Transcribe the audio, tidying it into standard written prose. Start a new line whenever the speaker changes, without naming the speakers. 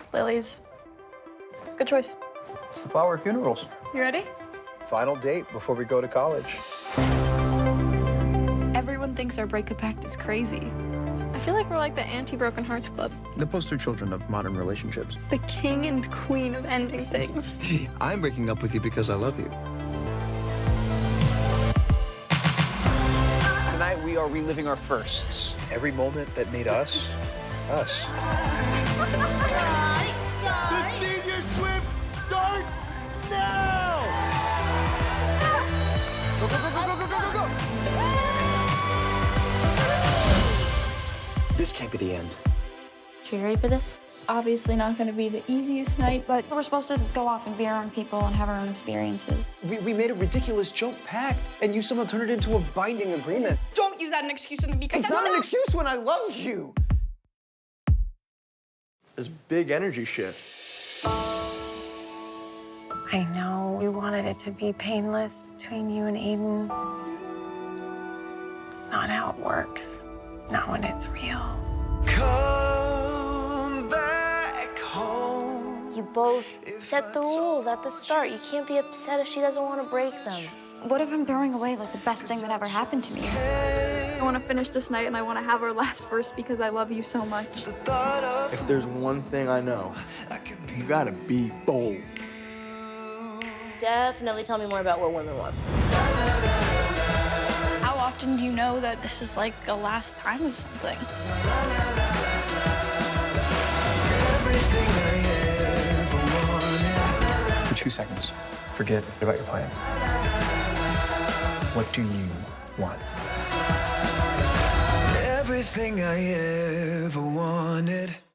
Lilies. Good choice.
It's the flower of funerals.
You ready?
Final date before we go to college.
Everyone thinks our breakup pact is crazy. I feel like we're like the anti-broken hearts club.
The poster children of modern relationships.
The king and queen of ending things.
I'm breaking up with you because I love you. Tonight we are reliving our firsts. Every moment that made us, us.
The senior swim starts now! Go, go, go, go, go, go, go, go, go!
This can't be the end.
You ready for this?
It's obviously not going to be the easiest night, but
We're supposed to go off and be our own people and have our own experiences.
We made a ridiculous joke pact, and you somehow turned it into a binding agreement.
don't use that as an excuse with me because
It's not an excuse when I love you. This big energy shift.
I know you wanted it to be painless between you and Aiden. It's not how it works. Not when it's real.
Come back home.
You both set the rules at the start. You can't be upset if she doesn't want to break them. What if I'm throwing away like the best thing that ever happened to me?
I want to finish this night and I want to have our last verse because I love you so much.
If there's one thing I know, you gotta be bold.
Definitely tell me more about what women want.
How often do you know that this is like a last time of something?
For 2 seconds, forget about your plan. What do you want?
Everything I ever wanted.